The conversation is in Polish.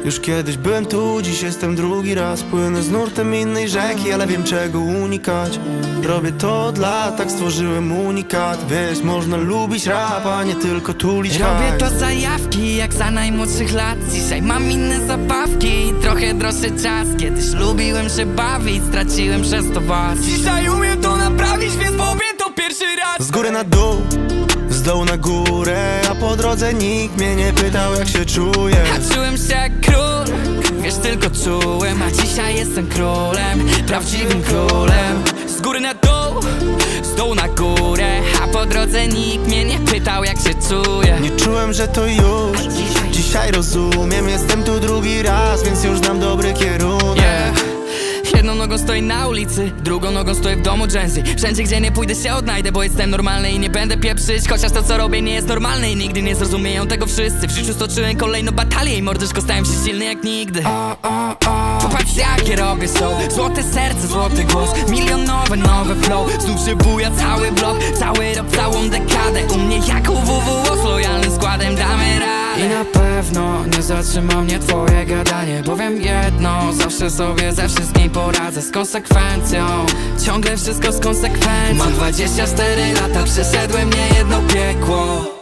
Już kiedyś byłem tu, dziś jestem drugi raz. Płynę z nurtem innej rzeki, ale wiem czego unikać. Robię to od lat, tak stworzyłem unikat. Wiesz, można lubić rap, a nie tylko tulić Robię hajs. to zajawki, jak za najmłodszych lat. Dzisiaj mam inne zabawki i trochę droższy czas. Kiedyś lubiłem się bawić, straciłem przez to was. Dzisiaj umiem to naprawić, więc powiem to pierwszy raz. Z góry na dół, z dołu na górę, a po drodze nikt mnie nie pytał jak się czuję. A czułem się jak król, wiesz, tylko czułem. A dzisiaj jestem królem, prawdziwym królem. Z góry na dół, z dołu na górę, a po drodze nikt mnie nie pytał jak się czuję. Nie czułem, że to już, dzisiaj rozumiem. Jestem tu drugi raz, więc już znam dobry kierunek. Jedną nogą stoję na ulicy, drugą nogą stoję w domu Gen-Z. Wszędzie gdzie nie pójdę się odnajdę, bo jestem normalny i nie będę pieprzyć. Chociaż to co robię nie jest normalne i nigdy nie zrozumieją tego wszyscy. W życiu stoczyłem kolejną batalię i mordyszko stałem się silny jak nigdy. Popatrz jakie robię show, złote serce, złoty głos, milionowe nowe flow. Znów się buja cały blok, cały rok, całą dekadę. U mnie jak u WWO z lojalnym składem damy radę. I na pewno nie zatrzyma mnie twoje gadanie, bo wiem jedno, zawsze sobie ze wszystkim poradzę. Z konsekwencją, ciągle wszystko z konsekwencją. Mam 24 lata, przeszedłem niejedno piekło.